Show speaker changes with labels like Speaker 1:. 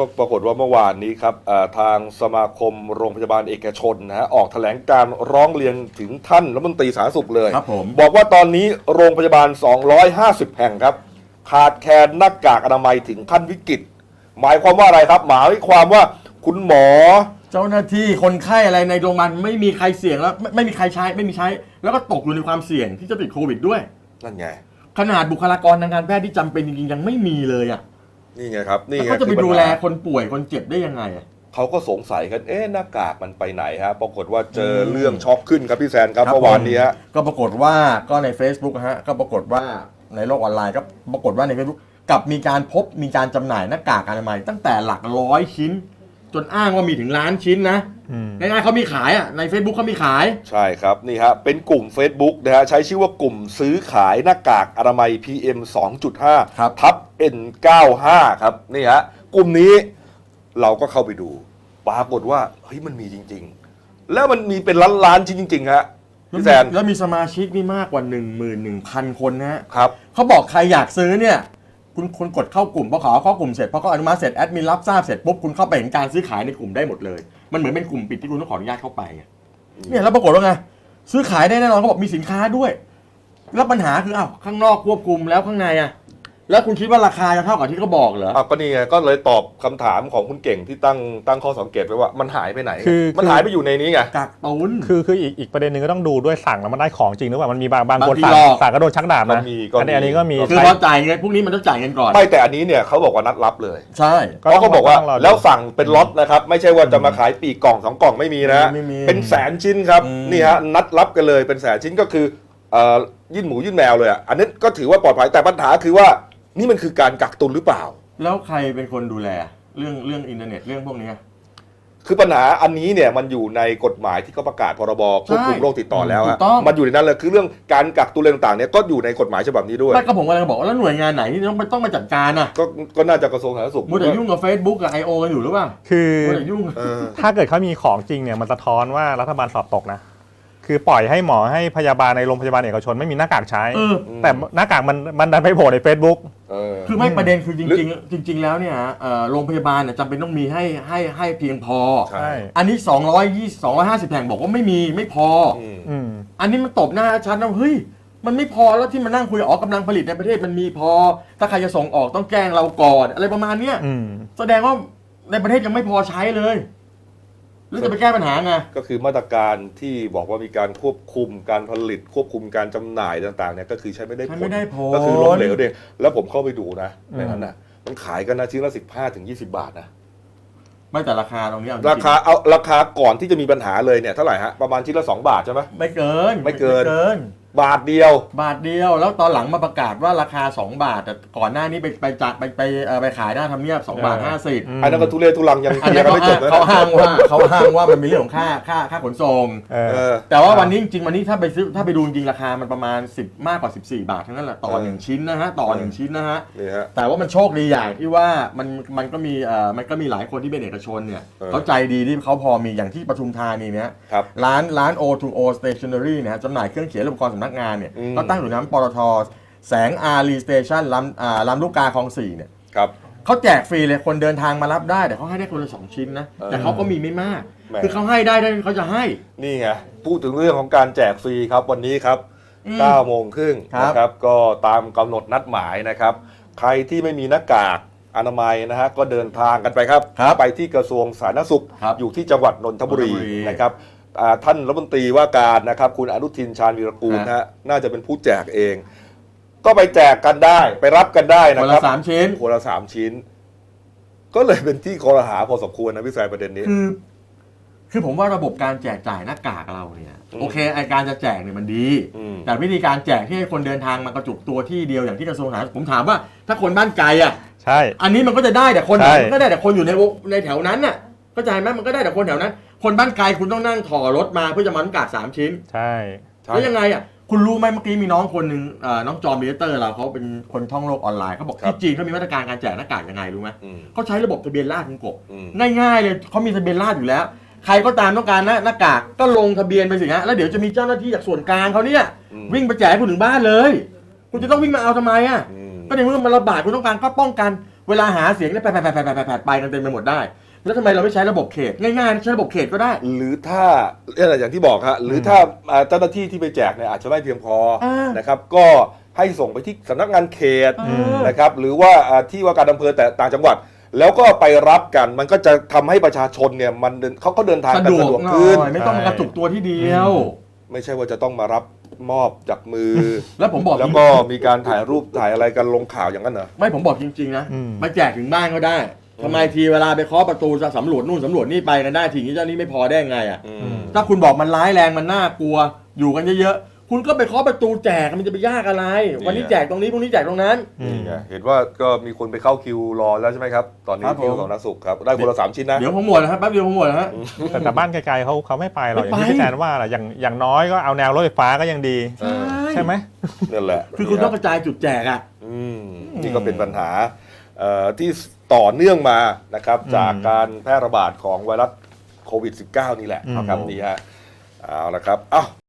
Speaker 1: ก็ปรากฏว่าเมื่อวานนี้ครับทางสมาคมโรงพยาบาลเอกชนนะฮะออกแถลงการร้องเรียนถึงท่านรัฐมนตรีสาธารณสุขเลย
Speaker 2: ครับผม
Speaker 1: บอกว่าตอนนี้โรงพยาบาล250แห่งครับขาดแคลนหน้ากากอนามัยถึงขั้นวิกฤตหมายความว่าอะไรครับหมายความว่าคุณหมอ
Speaker 2: เจ้าหน้าที่คนไข้อะไรในโรงพยาบาลไม่มีใครเสี่ยงแล้วไม่มีใครใช้ไม่มีใช้แล้วก็ตกอยู่ในความเสี่ยงที่จะติดโควิดด้วย
Speaker 1: นั่นไง
Speaker 2: ขนาดบุคลากรทางการแพทย์ที่จำเป็นจริงๆยังไม่มีเลยอ่ะ
Speaker 1: นี่ไงครับนี่ไง
Speaker 2: เขาจะไปดูแลคนป่วยคนเจ็บได้ยังไงอ่ะ
Speaker 1: เขาก็สงสัยกันหน้ากากมันไปไหนฮะปรากฏว่าเจอเรื่องช็อกขึ้นครับพี่แซนครับเมื่อวานนี้ฮะ
Speaker 2: ก็ปรากฏว่าก็ใน Facebook ฮะก็ปรากฏว่าในโลกออนไลน์ก็ปรากฏว่าใน Facebook กับมีการจำหน่ายหน้ากากอนามัยตั้งแต่หลักร้อยชิ้นจนอ้างว่ามีถึงล้านชิ้นนะง่ายๆเขามีขายอ่ะใน Facebook เขามีขาย
Speaker 1: ใช่ครับนี่ฮะเป็นกลุ่ม Facebook นะฮะใช้ชื่อว่ากลุ่มซื้อขายหน้ากากอนามัย PM 2.5 ทับ N95 ครับนี่ฮะกลุ่มนี้เราก็เข้าไปดูปรากฏว่าเฮ้ยมันมีจริงๆแล้วมันมีเป็นล้านชิ้นจริงๆฮะพี่แซน
Speaker 2: แล้วมีสมาชิกนี่มากกว่า 11,000 คนนะฮะ
Speaker 1: ครับ
Speaker 2: เขาบอกใครอยากซื้อเนี่ยคุณกดเข้ากลุ่มพอเข้ากลุ่มเสร็จพอเขาอนุมัติเสร็จแอดมินรับทราบเสร็จปุ๊บคุณเข้าไปเห็นการซื้อขายในกลุ่มได้หมดเลยมันเหมือนเป็นกลุ่มปิดที่คุณต้องขออนุญาตเข้าไปเนี่ยแล้วปรากฏว่าไงซื้อขายได้แน่นอนเขาบอกมีสินค้าด้วยแล้วปัญหาคือข้างนอกควบคุมแล้วข้างในแล้วคุณคิดว่าราคาจะเท่ากับที่เขาบอกเหรอ
Speaker 1: ก็นี่ไงก็เลยตอบคำถามของคุณเก่งที่ตั้งข้อสังเกตไว้ว่ามันหายไปไหนมันหายไปอยู่ในนี้ไง
Speaker 2: กักตุน
Speaker 3: คืออีกประเด็นหนึ่งก็ต้องดูด้วยสั่งแล้วมันได้ของจริงหรือเปล่ามันมีบางคนสั่งก็โดนชักดาบนะอันนี้ก็มี
Speaker 2: คือพอจ่ายเงินพวกนี้มันต้องจ่ายเงินก่อน
Speaker 1: ไม่แต่อันนี้เนี่ยเขาบอกว่านัดรับเลย
Speaker 2: ใช่
Speaker 1: เขาบอกว่าแล้วสั่งเป็นล็อตนะครับไม่ใช่ว่าจะมาขายปีกล่อง2 กล่องไม่มีนะเป็นแสนชิ้นครับนี่ฮะนัดรับกันเลยเป็นแสนชิ้นก็คือยื่นหมูยื่นแมวเลยอันนี้ก็ถือว่าปลอดภัยแต่ปัญหาคือว่านี่มันคือการกักตุนหรือเปล่า
Speaker 2: แล้วใครเป็นคนดูแลเรื่องอินเทอร์เน็ตเรื่องพวกนี้
Speaker 1: คือปัญหาอันนี้เนี่ยมันอยู่ในกฎหมายที่เขาประกาศพรบควบคุมโรคติดต่อแล้วมันอยู่ในนั้นเลยคือเรื่องการกักตุนอะไรต่างๆเนี่ยก็อยู่ในกฎหมายฉบับนี้ด้วย
Speaker 2: ไม่ก็ผมกำลังบอกว่าแล้วหน่วยงานไหนที่ต้องมาจัดการ
Speaker 1: ก็น่าจะกระทรวงสาธารณสุข
Speaker 2: มัวแต่ยุ่งกับ Facebook กับ I.O. กันอยู่หรือเปล่า
Speaker 3: คือ
Speaker 2: มัวแต่ยุ่ง
Speaker 3: ถ้าเกิดเขามีของจริงเนี่ยมันสะท้อนว่ารัฐบาลสอบตกนะคือปล่อยให้หมอให้พยาบาลในโรงพยาบาลเอกชนไม่มีหน้ากากใช้แต่หน้ากากมันดันไปโผล่ใน Facebook
Speaker 2: คือไม่ประเด็นคือจริงแล้วเนี่ยโรงพยาบาลเนี่ยจำเป็นต้องมีให้เพียงพออันนี้250แห่งบอกว่าไม่พออันนี้มันตบหน้าชัดนะเฮ้ยมันไม่พอแล้วที่มานั่งคุยกำลังผลิตในประเทศมันมีพอถ้าใครจะส่งออกต้องแจ้งเราก่อนอะไรประมาณเนี้ยแสดงว่าในประเทศยังไม่พอใช้เลยแล้วจะไปแก้ปัญหาไง
Speaker 1: ก็คือมาตรการที่บอกว่ามีการควบคุมการผลิตควบคุมการจำหน่ายต่างๆเนี่ยก็คือใช้ไม่ได้ผลก็คือล้มเหลวเองแล้วผมเข้าไปดูนะในนั้นนะมันขายกันนะชิ้นละ15-20 บาทนะ
Speaker 2: ไม่แต่ราคาตรงนี้
Speaker 1: ราคาก่อนที่จะมีปัญหาเลยเนี่ยเท่าไหร่ฮะประมาณชิ้นละ2 บาทใช่ไหม
Speaker 2: ไม่เกิน
Speaker 1: บาทเดียว
Speaker 2: แล้วตอนหลังมาประกาศว่าราคา2 บาทแต่ก่อนหน้านี้ไปขายหน้าทำเนียบ2.50 บาท
Speaker 1: อันนั้นก็ทุเรศทุลังยังไม่จบ
Speaker 2: เขาอ้างว่ามันมีเรื่องของค่าขนส่งแต่ว่าวันนี้จริงๆวันนี้ถ้าไปดูจริงราคามันประมาณ10มากกว่า14 บาททั้งนั้นแหละต่อ1ชิ้นนะฮะแต่ว่ามันโชคดีอย่างที่ว่ามันก็มีหลายคนที่เป็นเอกชนเนี่ยเขาใจดีที่เขาพอมีอย่างที่ปทุมธานีเนี่ยร้าน O2O Stationery เนี่ยจำหน่ายเครื่องเขียนอุปกรณ์สำนักงานเนี่ยก็ตั้งอยู่น้ำปตท.แสงอารีสเตชันลำลูกกาคลอง 4เนี่ยเขาแจกฟรีเลยคนเดินทางมารับได้แต่เขาให้ได้คนละ2 ชิ้นนะแต่เขาก็มีไม่มากคือเขาให้ได้เขาจะให้
Speaker 1: นี่ไงพูดถึงเรื่องของการแจกฟรีครับวันนี้ครับ 9:30 น.นะครับก็ตามกำหนดนัดหมายนะครับใครที่ไม่มีหน้ากากอนามัยนะฮะก็เดินทางกันไปครับไปที่กระทรวงสาธารณสุขอยู่ที่จังหวัดนนทบุรีนะครับท่านรัฐมนตรีว่าการนะครับคุณอนุทินชาญวีรกูลนะฮะน่าจะเป็นผู้แจกเองก็ไปแจกกันได้ไปรับกันได้นะครับ
Speaker 2: คนละ3 ชิ้น
Speaker 1: ก็เลยเป็นที่คอรหาพอสมควรนะพี่แซมประเด็นนี้
Speaker 2: คือผมว่าระบบการแจกจ่ายหน้ากากเราเนี่ยโอเคไอการจะแจกเนี่ยมันดีแต่วิธีการแจกที่ให้คนเดินทางมากระจุกตัวที่เดียวอย่างที่กระทรวงสาธารณสุขผมถามว่าถ้าคนบ้านไกล
Speaker 3: ใช่
Speaker 2: อันนี้มันก็จะได้แต่คนก็ได้แต่คนอยู่ในแถวนั้นน่ะเข้าใจไหมมันก็ได้แต่คนแถวนั้นคนบ้านไกลคุณต้องนั่งถ่อรถมาเพื่อจะมาหน้ากาก3 ชิ้น
Speaker 3: ใช่
Speaker 2: แล้วยังไงคุณรู้ไหมเมื่อกี้มีน้องคนหนึ่งน้องจอมมิเตอร์เราเขาเป็นคนท่องโลกออนไลน์เขาบอกที่จีนเขามีมาตรการการแจกหน้ากากยังไงรู้ไหมเขาใช้ระบบทะเบียนราษฎร์คุณกบง่ายๆเลยเขามีทะเบียนราษฎร์อยู่แล้วใครก็ตามต้องการหน้ากากก็ลงทะเบียนไปสิฮะแล้วเดี๋ยวจะมีเจ้าหน้าที่จากส่วนกลางเขาเนี่ยวิ่งไปแจกคุณถึงบ้านเลยคุณจะต้องวิ่งมาเอาทำไมก็ในเมื่อมันระบาดคุณต้องการก็ป้องกันเวลาหาเสียงเนี่ยไปกันเต็มไปหมดได้แล้วทำไมเราไม่ใช้ระบบเขตง่ายๆใช้ระบบเขตก็ได้
Speaker 1: หรือถ้าอย่างที่บอกฮะหรือถ้าเจ้าหน้าที่ที่ไปแจกเนี่ยอาจจะไม่เพียงพอนะครับก็ให้ส่งไปที่สำนักงานเขตนะครับหรือว่าที่ว่าการอำเภอแต่ต่างจังหวัดแล้วก็ไปรับกันมันก็จะทำให้ประชาชนเนี่ยมันเขาเดินทางกันสะดวกขึ้น
Speaker 2: ไม่ต้องมากระจุกตัวที่เดียว
Speaker 1: ไม่ใช่ว่าจะต้องมารับมอบจากมือ
Speaker 2: แล้วผมบอก
Speaker 1: แล้วก็มีการถ่ายรูปถ่ายอะไรกันลงข่าวอย่างนั้นเหรอ
Speaker 2: ไม่ผมบอกจริงๆนะมาแจกถึงบ้านก็ได้ทำไมทีเวลาไปเคาะประตูจะสำรวจนู่นสำรวจนี่ไปกันได้ทีนี้เจ้านี้ไม่พอได้ไงอ่ะถ้าคุณบอกมันร้ายแรงมันน่ากลัวอยู่กันเยอะๆคุณก็ไปเคาะประตูแจกมันจะไปยากอะไรวันนี้แจกตรงนี้พรุ่งนี้แจกตรงนั้น
Speaker 1: นี่ไงเห็นว่าก็มีคนไปเข้าคิวรอแล้วใช่ไหมครับตอนนี้คิวของนักสุขครับได้คนละ3 ชิ้นนะ
Speaker 2: เดี๋ยวผมหมดนะครับแป๊บเดียวผมหมดนะฮะ
Speaker 3: แต่บ้านไกลๆเขาไม่ไปหรอกอย่างที่พี่แจนว่าแหละอย่างน้อยก็เอาแนวรถไฟฟ้าก็ยังดีใช่ไหม
Speaker 1: นั่นแหละ
Speaker 2: คือคุณต้องกระจายจุดแจกอ่ะ
Speaker 1: นี่ก็เป็นปัญหาที่ต่อเนื่องมานะครับจากการแพร่ระบาดของไวรัสโควิด -19 นี่แหละครับนี่ฮะเอาละครับ